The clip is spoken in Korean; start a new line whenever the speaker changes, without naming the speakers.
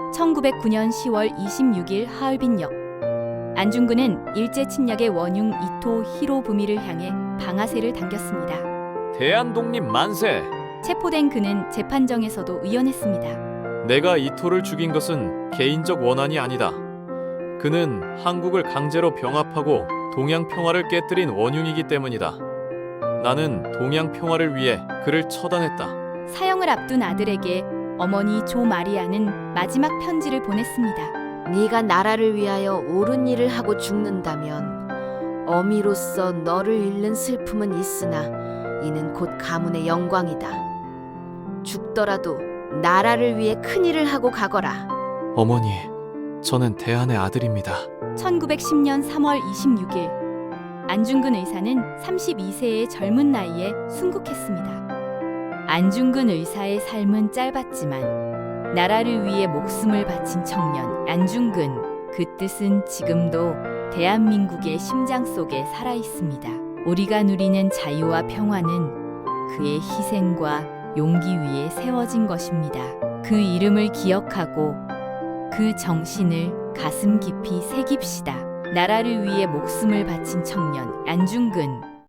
1909년 10월 26일 하얼빈역. 안중근은 일제 침략의 원흉 이토 히로부미를 향해 방아쇠를 당겼습니다.
대한독립 만세!
체포된 그는 재판정에서도 의연했습니다.
내가 이토를 죽인 것은 개인적 원한이 아니다. 그는 한국을 강제로 병합하고 동양 평화를 깨뜨린 원흉이기 때문이다. 나는 동양 평화를 위해 그를 처단했다.
사형을 앞둔 아들에게 어머니 조 마리아는 마지막 편지를 보냈습니다.
네가 나라를 위하여 옳은 일을 하고 죽는다면 어미로서 너를 잃는 슬픔은 있으나 이는 곧 가문의 영광이다. 죽더라도 나라를 위해 큰 일을 하고 가거라.
어머니, 저는 대한의 아들입니다.
1910년 3월 26일 안중근 의사는 32세의 젊은 나이에 순국했습니다. 안중근 의사의 삶은 짧았지만 나라를 위해 목숨을 바친 청년 안중근, 그 뜻은 지금도 대한민국의 심장 속에 살아 있습니다. 우리가 누리는 자유와 평화는 그의 희생과 용기 위에 세워진 것입니다. 그 이름을 기억하고 그 정신을 가슴 깊이 새깁시다. 나라를 위해 목숨을 바친 청년 안중근.